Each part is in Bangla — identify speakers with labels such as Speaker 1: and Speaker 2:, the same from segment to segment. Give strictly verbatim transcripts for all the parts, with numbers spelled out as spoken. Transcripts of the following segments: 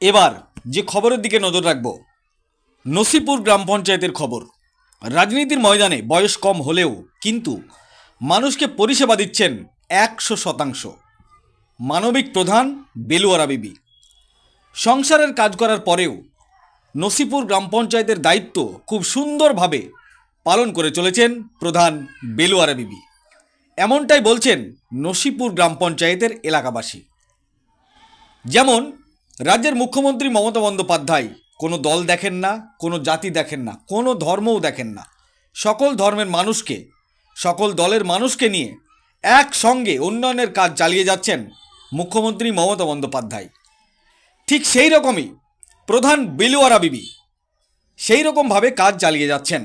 Speaker 1: এবার যে খবরের দিকে নজর রাখব, নসিপুর গ্রাম পঞ্চায়েতের খবর। রাজনীতির ময়দানে বয়স কম হলেও কিন্তু মানুষকে পরিষেবা দিচ্ছেন একশো শতাংশ। মানবিক প্রধান বেলুয়ারা বিবি সংসারের কাজ করার পরেও নসিপুর গ্রাম পঞ্চায়েতের দায়িত্ব খুব সুন্দরভাবে পালন করে চলেছেন প্রধান বেলুয়ারা বিবি। এমনটাই বলছেন নসিপুর গ্রাম পঞ্চায়েতের এলাকাবাসী। যেমন রাজ্যের মুখ্যমন্ত্রী মমতা বন্দ্যোপাধ্যায় কোনো দল দেখেন না, কোনো জাতি দেখেন না, কোনো ধর্মও দেখেন না। সকল ধর্মের মানুষকে, সকল দলের মানুষকে নিয়ে একসঙ্গে উন্নয়নের কাজ চালিয়ে যাচ্ছেন মুখ্যমন্ত্রী মমতা বন্দ্যোপাধ্যায়। ঠিক সেই রকমই প্রধান বেলুয়ারা বিবি সেই রকমভাবে কাজ চালিয়ে যাচ্ছেন।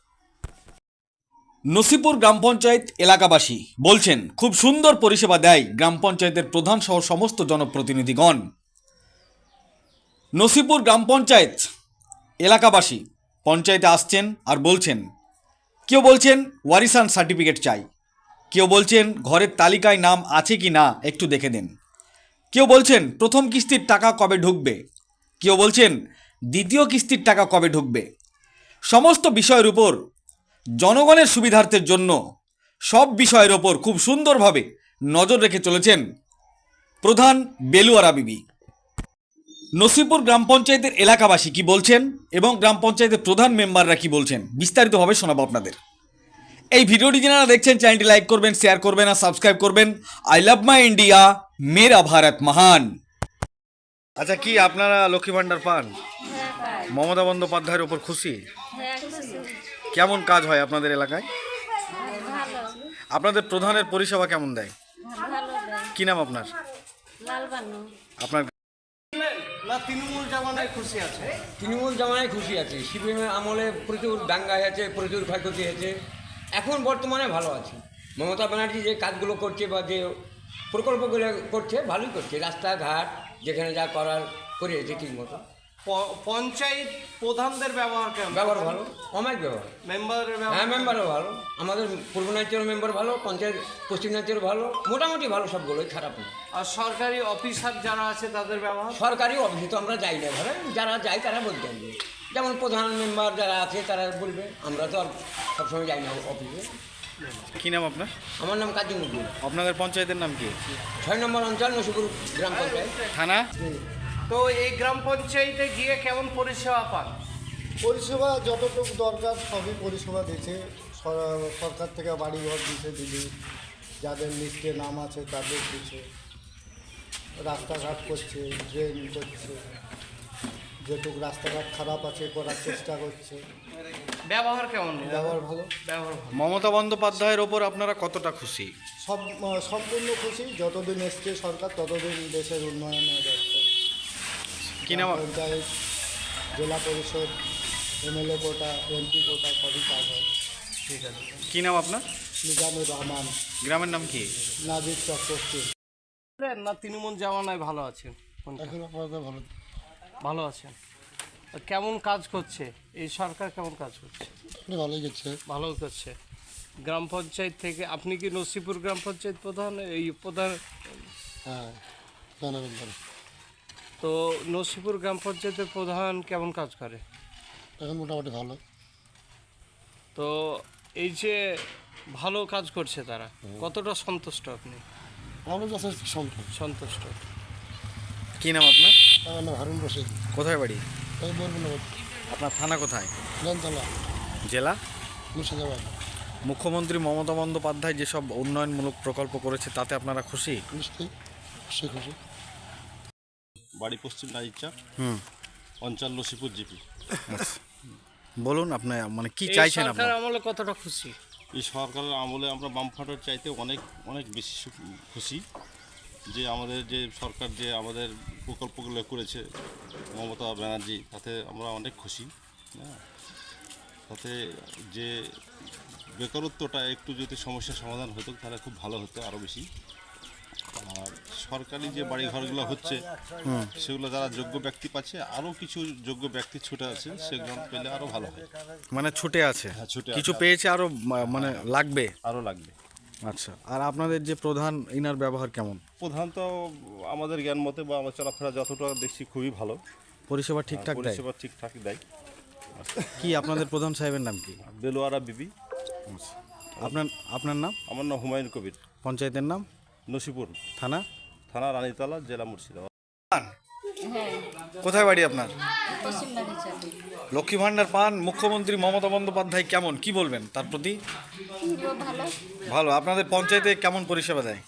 Speaker 1: নসিপুর গ্রাম পঞ্চায়েত এলাকাবাসী বলছেন খুব সুন্দর পরিষেবা দেয় গ্রাম পঞ্চায়েতের প্রধান সহ সমস্ত জনপ্রতিনিধিগণ। নসিপুর গ্রাম পঞ্চায়েত এলাকাবাসী পঞ্চায়েতে আসছেন আর বলছেন, কেউ বলছেন ওয়ারিসান সার্টিফিকেট চাই, কেউ বলছেন ঘরের তালিকায় নাম আছে কি না একটু দেখে দেন, কেউ বলছেন প্রথম কিস্তির টাকা কবে ঢুকবে, কেউ বলছেন দ্বিতীয় কিস্তির টাকা কবে ঢুকবে। সমস্ত বিষয়ের উপর জনগণের সুবিধার্থের জন্য সব বিষয়ের ওপর খুব সুন্দরভাবে নজর রেখে চলেছেন প্রধান বেলুয়ারা বিবি। নসিপুর গ্রাম পঞ্চায়েতের এলাকাবাসী কি বলছেন এবং গ্রাম পঞ্চায়েতের প্রধান মেম্বাররা কি বলছেন বিস্তারিতভাবে শোনাবো আপনাদের। এই ভিডিওটি যারা দেখছেন চ্যানেলটি লাইক করবেন, শেয়ার করবেন আর সাবস্ক্রাইব করবেন। আই লাভ মাই ইন্ডিয়া, মেরা ভারত মহান। আচ্ছা, কি আপনারা লক্ষ্মী ভান্ডার পান? মমতা বন্দ্যোপাধ্যায়ের ওপর খুশি? কেমন কাজ হয় আপনাদের এলাকায়? আপনাদের প্রধানের পরিষেবা কেমন দেয়? কি নাম আপনার? আপনার
Speaker 2: না তৃণমূল জামানায় খুশি আছে?
Speaker 3: তৃণমূল জামানায় খুশি আছে। সিপিএমের আমলে প্রচুর দাঙ্গা হয়েছে, প্রচুর ক্ষয়ক্ষতি হয়েছে। এখন বর্তমানে ভালো আছে। মমতা ব্যানার্জি যে কাজগুলো করছে বা যে প্রকল্পগুলো করছে ভালোই করছে। রাস্তাঘাট যেখানে যা করার করেছে ঠিক মতো।
Speaker 2: পঞ্চায়েত প্রধানদের ব্যবহার কেমন?
Speaker 3: ব্যবহার ভালো, অনেক ব্যবহার।
Speaker 2: মেম্বারের
Speaker 3: হ্যাঁ,
Speaker 2: ব্যবহার?
Speaker 3: মেম্বারও ভালো। আমাদের পূর্বনাঞ্চলের মেম্বার ভালো, পঞ্চায়েত পশ্চিমাঞ্চল ভালো, মোটামুটি ভালো, সবগুলোই খারাপ না।
Speaker 2: আর সরকারি অফিসার যারা আছে তাদের ব্যবহার?
Speaker 3: সরকারি অফিসে তো আমরা যাই না, ধরেন যারা যায় তারা বলতে পারবে। যেমন প্রধান মেম্বার যারা আছে তারা বলবে, আমরা তো আর সবসময় যাই না অফিসে।
Speaker 1: কি নাম আপনার?
Speaker 3: আমার নাম কাজী মুদ্দিন।
Speaker 1: আপনাদের পঞ্চায়েতের নাম কি?
Speaker 3: ছয় নম্বর অঞ্চল নসিপুর গ্রাম পঞ্চায়েত।
Speaker 1: থানা?
Speaker 2: তো এই গ্রাম পঞ্চায়েতে গিয়ে কেমন পরিষেবা পান?
Speaker 4: পরিষেবা যতটুকু দরকার সবই পরিষেবা দিচ্ছে। সর- সরকার থেকে বাড়িঘর দিচ্ছে, দিদি যাদের লিস্টে নাম আছে তাদের দিচ্ছে, রাস্তাঘাট করছে, ড্রেন করছে, যেটুকু রাস্তাঘাট খারাপ আছে করার চেষ্টা করছে।
Speaker 2: ব্যবহার কেমন?
Speaker 4: ব্যবহার ভালো,
Speaker 2: ব্যবহার ভালো।
Speaker 1: মমতা বন্দ্যোপাধ্যায়ের ওপর আপনারা কতটা খুশি?
Speaker 4: সব সম্পূর্ণ খুশি। যতদিন এসছে সরকার ততদিন দেশের উন্নয়নে ব্যস্ত।
Speaker 1: কি নাম?
Speaker 4: পঞ্চায়েত, জেলা পরিষদ, এমএলএ কোটা, এমপি কোটা সবই কাজ হয়।
Speaker 2: ঠিক আছে।
Speaker 1: কি নাম আপনার?
Speaker 4: নিজামুর রহমান,
Speaker 1: গ্রামের নাম কি?
Speaker 4: নাজির চক্রবর্তী।
Speaker 2: না তৃণমূল জামানায় ভালো আছেন?
Speaker 4: এখন আপাতত ভালো,
Speaker 2: ভালো আছেন। তো কেমন কাজ করছে এই সরকার? কেমন কাজ করছে?
Speaker 4: ভালোই গেছে।
Speaker 2: ভালো করছে। গ্রাম পঞ্চায়েত থেকে আপনি কি নসিপুর গ্রাম পঞ্চায়েত প্রধান? এই প্রধান?
Speaker 4: হ্যাঁ, ধন্যবাদ।
Speaker 2: তো নসিপুর গ্রাম পঞ্চায়েতের প্রধান কেমন কাজ করে?
Speaker 4: এখন মোটামুটি ভালো।
Speaker 2: তো এই যে ভালো কাজ করছে তারা, কতটা সন্তুষ্ট আপনি?
Speaker 4: আমরা যথেষ্ট সন্তুষ্ট।
Speaker 2: সন্তুষ্ট।
Speaker 1: কি নাম আপনার?
Speaker 4: আমার নাম হারুন রশিদ।
Speaker 1: কোথায় বাড়ি?
Speaker 4: আমি বলবো না,
Speaker 1: আপনার থানা কোথায়?
Speaker 4: জানতলা,
Speaker 1: জেলা?
Speaker 4: মুর্শিদাবাদ।
Speaker 1: মুখ্যমন্ত্রী মমতা বন্দ্যোপাধ্যায় যেসব উন্নয়নমূলক প্রকল্প করেছে তাতে আপনারা খুশি?
Speaker 4: নিশ্চয়ই খুশি খুশি।
Speaker 5: বাড়ি পশ্চিম নাজিরচা,
Speaker 1: হুম,
Speaker 5: অঞ্চল নসিপুর জিপি।
Speaker 1: বলুন আপনার মানে কি
Speaker 2: এই
Speaker 1: চাইছেন
Speaker 2: সরকার
Speaker 1: আপনারা?
Speaker 2: আমলে কতটা খুশি?
Speaker 5: এই সরকারের আমলে আমরা বামফ্রন্টের চাইতে অনেক অনেক বেশি সু- খুশি যে আমাদের যে সরকার যে আমাদের প্রকল্পগুলো করেছে মমতা ব্যানার্জি, তাতে আমরা অনেক খুশি। হ্যাঁ, তাতে যে বেকারত্বটা একটু যদি সমস্যার সমাধান হতো তাহলে খুব ভালো হতো, আরও বেশি। আর সরকারি যে বাড়ি ঘরগুলো হচ্ছে সেগুলো যারা যোগ্য ব্যক্তি পাচ্ছে, আরও কিছু যোগ্য ব্যক্তি ছুটে আছে, সেগুলো পেলে আরও ভালো হয়।
Speaker 1: মানে ছুটে আছে,
Speaker 5: হ্যাঁ, ছুটে
Speaker 1: কিছু
Speaker 5: আছে।
Speaker 1: পেয়েছে, আরো মা- মানে লাগবে।
Speaker 5: আরও লাগবে।
Speaker 1: আচ্ছা, আর আপনাদের যে প্রধান ইনার ব্যবহার কেমন?
Speaker 5: প্রধানত আমাদের জ্ঞান মতে বা আমার চলাফেরা যতটা দেখছি খুবই ভালো,
Speaker 1: পরিষেবা ঠিকঠাক দেয়?
Speaker 5: পরিষেবা ঠিকঠাক দেয়।
Speaker 1: কি আপনাদের প্রধান সাহেবের নাম কি?
Speaker 5: বেলোয়ারা বিবি।
Speaker 1: আপনার আপনার নাম?
Speaker 5: আমার নাম হুমায়ুন কবির।
Speaker 1: পঞ্চায়েতের নাম?
Speaker 5: নসিপুর
Speaker 1: থানা?
Speaker 5: থানা রানীতলা, জেলা মুর্শিদাবাদ।
Speaker 1: কোথায় বাড়ি আপনার?
Speaker 6: পশ্চিম বাগিচাতে
Speaker 1: লক্ষ্মী ভাণ্ডার পান, মুখ্যমন্ত্রী মমতা বন্দ্যোপাধ্যায় কেমন, কি বলবেন তার প্রতি?
Speaker 6: ভালো
Speaker 1: ভালো। আপনাদের পঞ্চায়েতে কেমন পরিষেবা দেয়?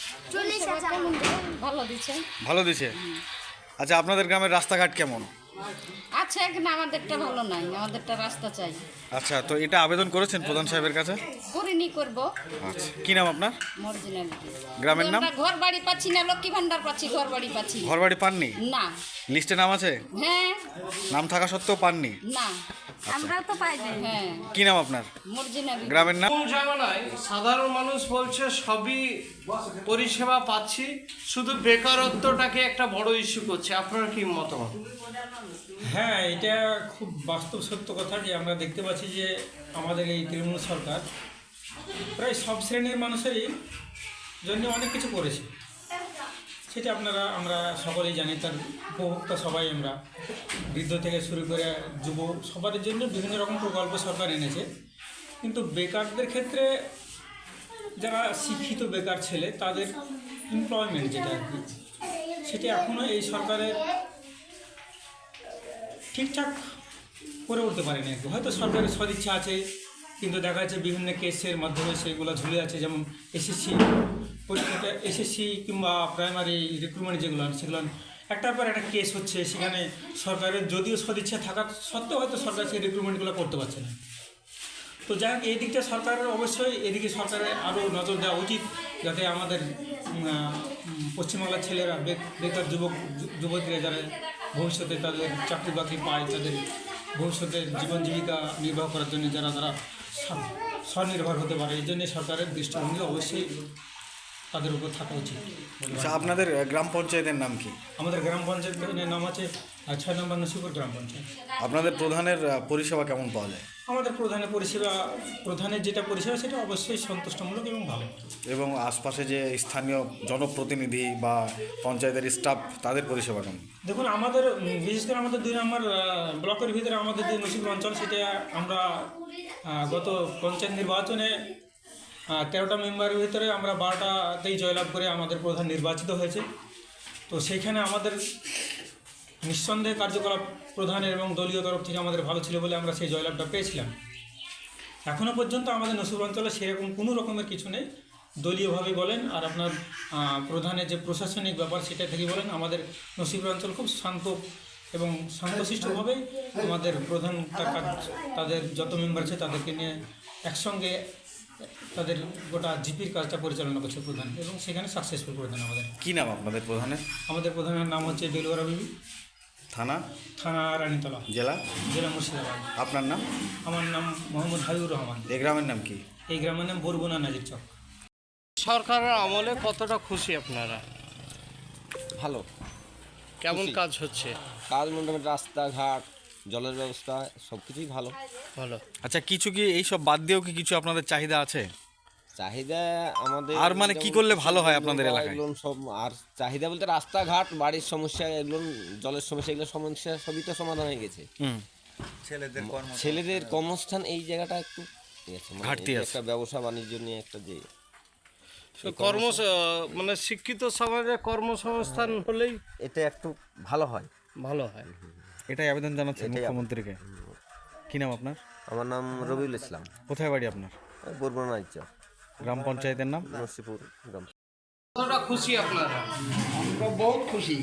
Speaker 6: ভালো দিচ্ছে।
Speaker 1: ভালো দিছে। আচ্ছা, আপনাদের গ্রামের রাস্তাঘাট কেমন?
Speaker 6: আচ্ছা, এখানে আমাদেরটা ভালো নাই, আমাদেরটা রাস্তা চাই।
Speaker 1: আচ্ছা, তো এটা আবেদন করেছেন প্রধান সাহেবের কাছে?
Speaker 6: করিনি, করবো।
Speaker 1: আচ্ছা, কি নাম আপনার?
Speaker 6: মর্জিনালিটি।
Speaker 1: গ্রামের নাম?
Speaker 6: ঘর বাড়ি পাচ্ছি না, লক্ষ্মী ভান্ডার পাচ্ছি, ঘর বাড়ি পাচ্ছি
Speaker 1: ঘর বাড়ি পাননি?
Speaker 6: না।
Speaker 1: লিস্টে নাম আছে?
Speaker 6: হ্যাঁ।
Speaker 1: নাম থাকা সত্ত্বেও পাননি?
Speaker 6: না, আমরা তো পাই না। হ্যাঁ।
Speaker 1: কি নাম আপনার?
Speaker 6: মর্জিনালিটি।
Speaker 1: গ্রামের নাম?
Speaker 2: কোন জামানায় সাধারণ মানুষ বলছে সবই পরিষেবা পাচ্ছি, শুধু বেকারত্বটাকে একটা বড় ইস্যু করছে। আপনার কি মতামত?
Speaker 7: হ্যাঁ, এটা খুব বাস্তব সত্য কথা যে আমরা দেখতে পাচ্ছি যে আমাদের এই তৃণমূল সরকার প্রায় সব শ্রেণীর মানুষেরই জন্য অনেক কিছু করেছে। সেটা আপনারা আমরা সকলেই জানি, তার উপভোক্তা সবাই আমরা, বৃদ্ধ থেকে শুরু করে যুব সবার জন্য বিভিন্ন রকম প্রকল্প সরকার এনেছে। কিন্তু বেকারদের ক্ষেত্রে যারা শিক্ষিত বেকার ছেলে তাদের এমপ্লয়মেন্ট যেটা আর কি, সেটা এখনও এই সরকারের ঠিকঠাক করে উঠতে পারেনি আর কি। হয়তো সরকারের সদিচ্ছা আছে, কিন্তু দেখা যাচ্ছে বিভিন্ন কেসের মাধ্যমে সেগুলো ঝুলে আছে। যেমন এসএসসি পরীক্ষাটা, এসএসসি কিংবা প্রাইমারি রিক্রুটমেন্ট যেগুলো সেগুলো একটার পর একটা কেস হচ্ছে, সেখানে সরকারের যদিও সদিচ্ছা থাকা সত্ত্বেও হয়তো সরকার সেই রিক্রুটমেন্টগুলো করতে পারছে না। তো যাই হোক, এই দিকটা সরকারের অবশ্যই এদিকে সরকারের আরও নজর দেওয়া উচিত, যাতে আমাদের পশ্চিমবাংলার ছেলেরা বেকার যুবক যুবতীরা যারা ভবিষ্যতে তাদের চাকরি বাকরি পায়, তাদের ভবিষ্যতের জীবন জীবিকা নির্বাহ করার জন্য যারা তারা স্বনির্ভর হতে পারে, এই জন্য সরকারের দৃষ্টিভঙ্গি অবশ্যই তাদের উপর থাকা উচিত।
Speaker 1: আচ্ছা, আপনাদের গ্রাম পঞ্চায়েতের নাম কি?
Speaker 7: আমাদের গ্রাম পঞ্চায়েতের নাম আছে ছয় নম্বর নসিপুর গ্রাম পঞ্চায়েত।
Speaker 1: আপনাদের প্রধানের পরিষেবা কেমন পাওয়া যায়?
Speaker 7: আমাদের প্রধানের পরিষেবা, প্রধানের যেটা পরিষেবা সেটা অবশ্যই সন্তুষ্টমূলক এবং ভালো।
Speaker 1: এবং আশপাশে যে স্থানীয় জনপ্রতিনিধি বা পঞ্চায়েতের স্টাফ, তাদের পরিষেবা কেমন?
Speaker 7: দেখুন, আমাদের বিশেষ করে আমাদের দুই নম্বর ব্লকের ভিতরে আমাদের যে নসিপুর অঞ্চল, সেটা আমরা গত পঞ্চায়েত নির্বাচনে তেরোটা মেম্বারের ভিতরে আমরা বারোটাতেই জয়লাভ করে আমাদের প্রধান নির্বাচিত হয়েছে। তো সেইখানে আমাদের নিঃসন্দেহে কার্যকলাপ প্রধানের এবং দলীয় তরফ থেকে আমাদের ভালো ছিল বলে আমরা সেই জয়লাভটা পেয়েছিলাম। এখনও পর্যন্ত আমাদের নসিপুর অঞ্চলে সেরকম কোনো রকমের কিছু নেই। দলীয়ভাবে বলেন আর আপনার প্রধানের যে প্রশাসনিক ব্যাপার সেটা থেকে বলেন, আমাদের নসিপুর অঞ্চল খুব শান্ত এবং শান্তশিষ্টভাবেই আমাদের প্রধান তার কাজ, তাদের যত মেম্বার আছে তাদেরকে নিয়ে একসঙ্গে তাদের গোটা জিপির কাজটা পরিচালনা করছে প্রধান, এবং সেখানে সাকসেসফুল প্রধান। আমাদের
Speaker 1: কি নাম আপনাদের প্রধানের?
Speaker 7: আমাদের প্রধানের নাম হচ্ছে বেলোয়ারা বিবি।
Speaker 1: থানা?
Speaker 7: থানা রানীতলা,
Speaker 1: জেলা?
Speaker 7: জেলা মুর্শিদাবাদ।
Speaker 1: আপনার নাম?
Speaker 7: আমার নাম মোহাম্মদ হাবিবুর রহমান।
Speaker 1: এই গ্রামের নাম কি?
Speaker 7: এই গ্রামের নাম বরগুনা নাজির চক।
Speaker 2: সরকারের আমলে কতটা খুশি আপনারা?
Speaker 8: ভালো।
Speaker 2: কেমন
Speaker 8: খুশি।
Speaker 2: কাজ হচ্ছে?
Speaker 8: কাজ মোটামুটি রাস্তাঘাট, জলের ব্যবস্থা সব কিছুই ভালো।
Speaker 2: ভালো।
Speaker 1: আচ্ছা, কিছু কি এইসব বাদ দিয়েও কি কিছু আপনাদের চাহিদা আছে?
Speaker 8: চাহিদা আমাদের
Speaker 1: আর মানে কি করলে ভালো হয় আপনাদের এলাকায়?
Speaker 8: এগুলো সব, আর চাহিদা বলতে রাস্তাঘাট, বাড়ির সমস্যা, এগুলো জলের সমস্যা, এগুলো সমস্যা সবই তো সমাধান হয়ে গেছে।
Speaker 1: হুম।
Speaker 8: ছেলেদের কর্মস্থান এই জায়গাটা একটু ঠিক আছে, মানে
Speaker 1: ঘাটতি
Speaker 8: এই যে
Speaker 1: আছে।
Speaker 8: একটা ব্যবসা বাণিজ্য নিয়ে একটা যে
Speaker 2: তো কর্ম মানে শিক্ষিত সমাজে কর্মসংস্থান হলেই
Speaker 8: এটা একটু ভালো হয়।
Speaker 2: ভালো হয়।
Speaker 1: এটাই আবেদন জানাচ্ছেন
Speaker 8: এটাই
Speaker 1: মুখ্যমন্ত্রীকে? কি নাম আপনার?
Speaker 8: আমার নাম রবিউল ইসলাম।
Speaker 1: কোথায় বাড়ি আপনার?
Speaker 8: বরগুনা নাজির চক,
Speaker 1: গ্রাম পঞ্চায়েতের নাম?
Speaker 8: নসিপুর গ্রাম।
Speaker 2: কতটা খুশি আপনারা?
Speaker 9: আমরা বহুত খুশি,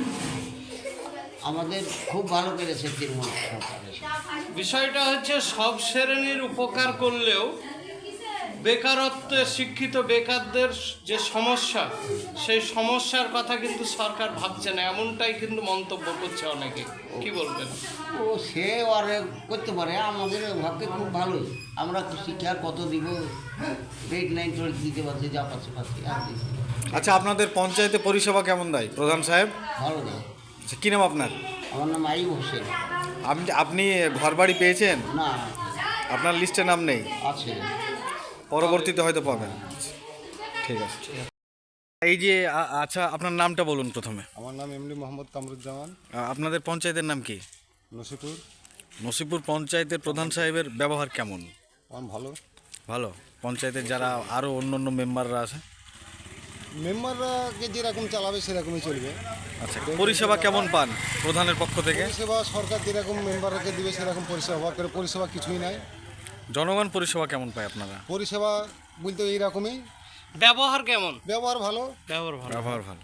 Speaker 9: আমাদের খুব ভালো করেছে তৃণমূল সরকার।
Speaker 2: বিষয়টা হচ্ছে সব শ্রেণীর উপকার করলেও বেকারত্বে শিক্ষিত বেকারদের যে সমস্যা, সেই সমস্যার কথা কিন্তু সরকার ভাবছে না, এমনটাই কিন্তু মন্তব্য করছে অনেকে। কি বলবেন?
Speaker 9: ও সে আর করতে পারে, আমাদের ভাবতে খুব ভালোই। আমরা শিক্ষার কত দিব, এইট নাইন টুয়েলভ দিতে পারছি, যা পাচ্ছি পাচ্ছি আর দিচ্ছি।
Speaker 1: আচ্ছা, আপনাদের পঞ্চায়েতে পরিষেবা কেমন দেয় প্রধান সাহেব?
Speaker 9: ভালো দেয়।
Speaker 1: আচ্ছা, কী নাম আপনার?
Speaker 9: আমার নাম আইব হোসেন।
Speaker 1: আপনি আপনি ঘর বাড়ি পেয়েছেন?
Speaker 9: না,
Speaker 1: আপনার লিস্টে নাম নেই,
Speaker 9: আছে।
Speaker 1: পরবর্তীতে হয়তো পাবেন। ঠিক আছে এই যে আ- আচ্ছা আপনার নামটা বলুন প্রথমে।
Speaker 4: আমার নাম এমডি মোহাম্মদ কামরুজ্জামান,
Speaker 1: আ, আপনাদের পঞ্চায়েতের নাম কি?
Speaker 4: নসিপুর।
Speaker 1: নসিপুর পঞ্চায়েতের প্রধান সাহেবের ব্যবহার কেমন?
Speaker 4: আমার ভালো।
Speaker 1: ভালো। পঞ্চায়েতের যারা আরও অন্য অন্য মেম্বাররা আছে?
Speaker 4: মেম্বাররাকে যেরকম চালাবে সেরকমই চলবে।
Speaker 1: আচ্ছা, পরিষেবা কেমন পান প্রধানের পক্ষ থেকে?
Speaker 4: পরিষেবা সরকার যেরকম মেম্বারকে দিবে সেরকম পরিষেবা করে, পরিষেবা কিছুই নাই।
Speaker 1: জনগণ পরিষেবা কেমন পায় আপনারা?
Speaker 4: পরিষেবা বলতে এইরকমই,
Speaker 2: ব্যবহার কেমন?
Speaker 4: ব্যবহার ভালো।
Speaker 2: ব্যবহার ভালো।
Speaker 1: ব্যবহার ভালো।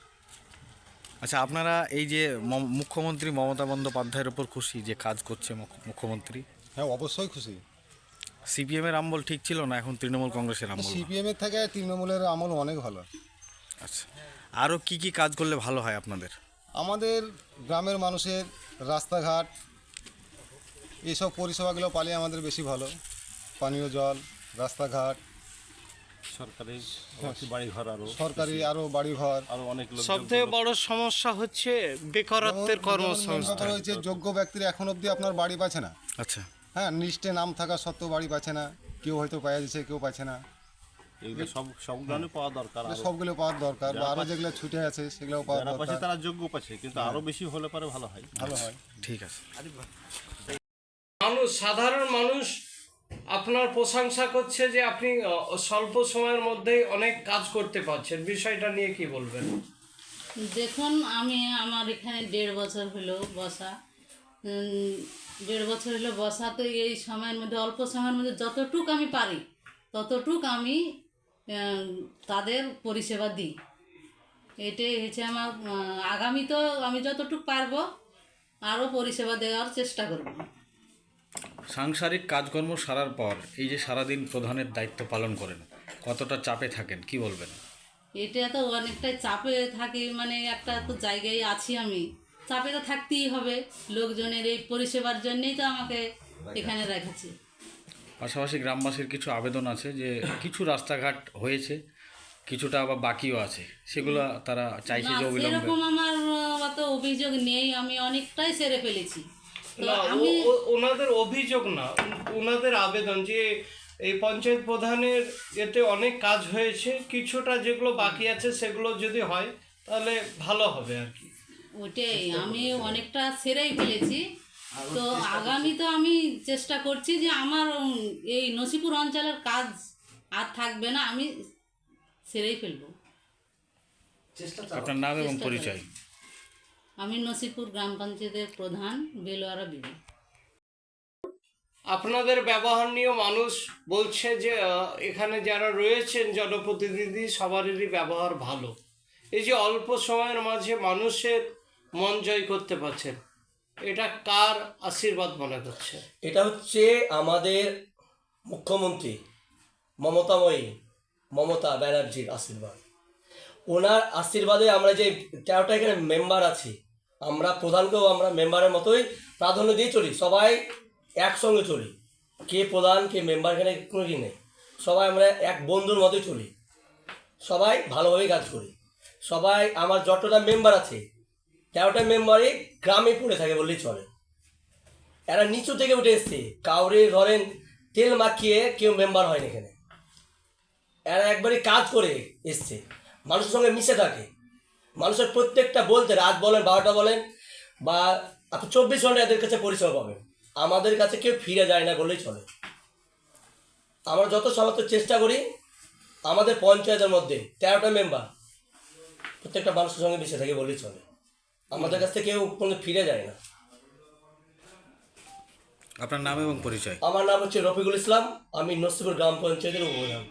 Speaker 1: আচ্ছা, আপনারা এই যে ম- মুখ্যমন্ত্রী মমতা বন্দ্যোপাধ্যায়ের ওপর খুশি যে কাজ করছে মুখ- মুখ্যমন্ত্রী?
Speaker 4: হ্যাঁ, অবশ্যই খুশি।
Speaker 1: সিপিএমের আমল ঠিক ছিল না এখন তৃণমূল কংগ্রেসের আমল?
Speaker 4: সিপিএমের থেকে তৃণমূলের আমল অনেক ভালো।
Speaker 1: আচ্ছা, আরও কি কি কাজ করলে ভালো হয় আপনাদের?
Speaker 4: আমাদের গ্রামের মানুষের রাস্তাঘাট এইসব পরিষেবাগুলো পালে আমাদের বেশি ভালো। পানীয় জল, রাস্তাঘাট,
Speaker 5: সরকারি বাড়িঘর আরও
Speaker 4: সরকারি আরও বাড়িঘর।
Speaker 5: আরও অনেক লোক
Speaker 2: সবথেকে বড় সমস্যা হচ্ছে বেকারত্বের
Speaker 4: যেমন- যেমন
Speaker 2: কর্মসংস্থান।
Speaker 4: ব্যাপার হয়েছে, যোগ্য ব্যক্তিরা এখন অবধি আপনার বাড়ি পাচ্ছে না।
Speaker 1: আচ্ছা,
Speaker 4: হ্যাঁ, লিস্টে নাম থাকা সত্ত্বেও বাড়ি পাচ্ছে না। কেউ হয়তো পাওয়া যাচ্ছে, কেউ পাচ্ছে না।
Speaker 5: এগুলো সব সব ধরনের পাওয়া দরকার আরও।
Speaker 4: সবগুলো পাওয়ার দরকার, বা
Speaker 5: যারা
Speaker 4: আরও
Speaker 5: পাচ্ছে-
Speaker 4: যেগুলো ছুটে আছে সেগুলোও পাওয়া
Speaker 5: যারা পাচ্ছে
Speaker 4: দরকার।
Speaker 5: তারা যোগ্য পাচ্ছে, কিন্তু আরও বেশি হলে পরে ভালো হয়।
Speaker 4: ভালো হয়।
Speaker 1: ঠিক আছে।
Speaker 2: মানুষ, সাধারণ মানুষ আপনার প্রশংসা করছে যে আপনি আহ, স্বল্প সময়ের মধ্যেই অনেক কাজ করতে পারছেন, বিষয়টা নিয়ে কি বলবেন?
Speaker 6: দেখুন, আমি আমার এখানে দেড় বছর হলো বসা। উম, দেড় বছর হলো বসা, তো এই সময়ের মধ্যে, অল্প সময়ের মধ্যে যতটুক আমি পারি ততটুক আমি আহ, তাদের পরিষেবা দিই। এটাই হচ্ছে আমার আহ, আগামী তো আমি যতটুক পারবো আরও পরিষেবা দেওয়ার চেষ্টা করব।
Speaker 1: সাংসারিক কাজকর্ম সারার পর এই যে সারাদিন প্রধানের দায়িত্ব পালন করেন, কতটা চাপে থাকেন কি বলবেন?
Speaker 6: এটা তো অনেকটাই চাপে থাকি, মানে একটা তো জায়গায় আছি আমি, চাপে তো থাকতেই হবে। লোকজনের এই পরিষেবার জন্যেই তো আমাকে এখানে রেখেছে।
Speaker 1: পাশাপাশি গ্রামবাসীর কিছু আবেদন আছে যে কিছু রাস্তাঘাট হয়েছে, কিছুটা আবার বাকিও আছে, সেগুলো তারা চাইছে
Speaker 6: না,
Speaker 1: যে অবিলম্বে।
Speaker 6: সেরকম আমার আহ, অত অভিযোগ নেই, আমি অনেকটাই সেরে ফেলেছি। তো
Speaker 2: না,
Speaker 6: আমি
Speaker 2: ও- ও- ওনাদের অভিযোগ না, ওনাদের আবেদন যে এই পঞ্চায়েত প্রধানের এতে অনেক কাজ হয়েছে, কিছুটা যেগুলো বাকি আছে সেগুলো যদি হয় তাহলে ভালো হবে আর কি।
Speaker 6: ওটাই, আমি অনেকটা সেরেই ফেলেছি। তো আগামী তো আমি চেষ্টা করছি যে আমার উম, এই নসিপুর অঞ্চলের কাজ আর থাকবে না, আমি সেরেই ফেলবো।
Speaker 1: আপনার নাম এবং
Speaker 6: চেষ্টা
Speaker 1: পরিচয়?
Speaker 6: করছি। আমি নসিপুর গ্রাম পঞ্চায়েতের প্রধান বেলোয়ারা বিবি।
Speaker 2: আপনাদের ব্যবহার নিয়ে মানুষ বলছে যে আহ, এখানে যারা রয়েছেন জনপ্রতিনিধি সবারই ব্যবহার ভালো। এই যে অল্প সময়ের মাঝে মানুষের মন জয় করতে পারছেন, এটা কার আশীর্বাদ মনে করছে?
Speaker 10: এটা হচ্ছে আমাদের মুখ্যমন্ত্রী মমতাময়ী মমতা ব্যানার্জির আশীর্বাদ। ওনার আশীর্বাদে আমরা যে তেরোটা এখানে মেম্বার আছি, আমরা প্রধানকেও আমরা মেম্বারের মতোই প্রাধান্য দিয়ে চলি, সবাই একসঙ্গে চলি। কে প্রধান কে মেম্বার এখানে কোনো কি নেই, সবাই আমরা এক বন্ধুর মতোই চলি, সবাই ভালোভাবেই কাজ করি। সবাই আমার যতটা মেম্বার আছে তেরোটা মেম্বারই গ্রামে পড়ে থাকে বললেই চলে। এরা নিচু থেকে উঠে এসছে, কাউরে ধরেন তেল মাখিয়ে কেউ মেম্বার হয়নি এখানে। এরা একবারই কাজ করে এসছে, মানুষের সঙ্গে মিশে থাকে, মানুষের প্রত্যেকটা বলতে রাত বলেন বারোটা বলেন বা আপনি চব্বিশ ঘন্টা এদের কাছে পরিষেবা পাবেন। আমাদের কাছে কেউ ফিরে যায় না বললেই চলে। আমরা যত সমস্ত চেষ্টা করি, আমাদের পঞ্চায়েতের মধ্যে তেরোটা মেম্বার প্রত্যেকটা মানুষের সঙ্গে মিশে থাকে বললেই চলে। আমাদের কাছ থেকে কেউ কোনো ফিরে যায় না।
Speaker 1: আপনার নাম এবং পরিচয়?
Speaker 10: আমার নাম হচ্ছে রফিকুল ইসলাম, আমি নসিপুর গ্রাম পঞ্চায়েতের উপপ্রধান।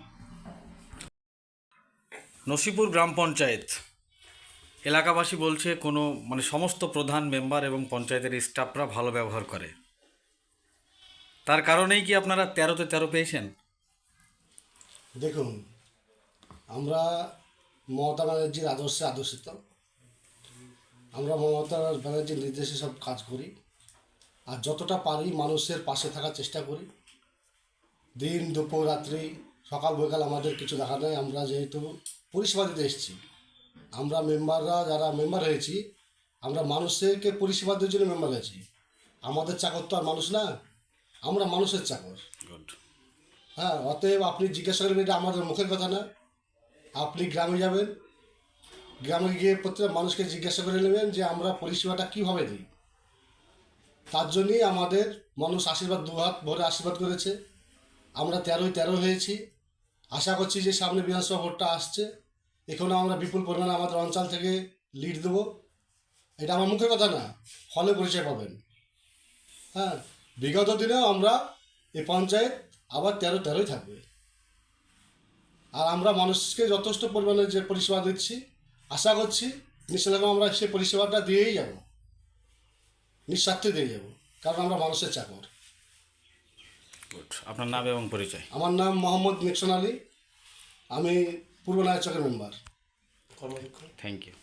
Speaker 1: নসিপুর গ্রাম পঞ্চায়েত এলাকাবাসী বলছে কোনো মানে সমস্ত প্রধান মেম্বার এবং পঞ্চায়েতের স্টাফরা ভালো ব্যবহার করে, তার কারণেই কি আপনারা তেরোতে তেরো পেয়েছেন?
Speaker 11: দেখুন, আমরা মমতা ব্যানার্জির আদর্শে আদর্শিত, আমরা মমতা ব্যানার্জির নির্দেশে সব কাজ করি, আর যতটা পারি মানুষের পাশে থাকার চেষ্টা করি। দিন দুপুর রাত্রি সকাল বিকাল আমাদের কিছু দেখা নেই। আমরা যেহেতু পরিষেবা দিতে এসেছি, আমরা মেম্বাররা যারা মেম্বার হয়েছি, আমরা মানুষকে পরিষেবা দেওয়ার জন্য মেম্বার হয়েছি। আমাদের চাকর তো আর মানুষ না, আমরা মানুষের চাকর।
Speaker 1: গুড।
Speaker 11: হ্যাঁ, অতএব আপনি জিজ্ঞাসা করবেন, এটা আমাদের মুখের কথা না, আপনি গ্রামে যাবেন, গ্রামে গিয়ে প্রত্যেক মানুষকে জিজ্ঞাসা করে নেবেন যে আমরা পরিষেবাটা কীভাবে দিই। তার জন্যই আমাদের মানুষ আশীর্বাদ দুহাত ভরে আশীর্বাদ করেছে। আমরা তেরোই তেরো হয়েছি। আশা করছি যে সামনে বিধানসভা ভোটটা আসছে, এখানেও আমরা বিপুল পরিমাণে আমাদের অঞ্চল থেকে লিড দেবো। এটা আমার মুখের কথা না, ফলে পরিচয় পাবেন। হ্যাঁ, বিগত দিনেও আমরা এই পঞ্চায়েত আবার তেরো তেরোই থাকবে। আর আমরা মানুষকে যথেষ্ট পরিমাণে যে পরিষেবা দিচ্ছি, আশা করছি নিশ্চয় আমরা সেই পরিষেবাটা দিয়েই যাব, নিঃস্বার্থে দিয়ে যাব, কারণ আমরা মানুষের চাকর।
Speaker 1: আপনার নাম এবং পরিচয়?
Speaker 11: আমার নাম মোহাম্মদ নিকসন আলী, আমি পূর্ব নায়চকের মেম্বার।
Speaker 1: Thank you.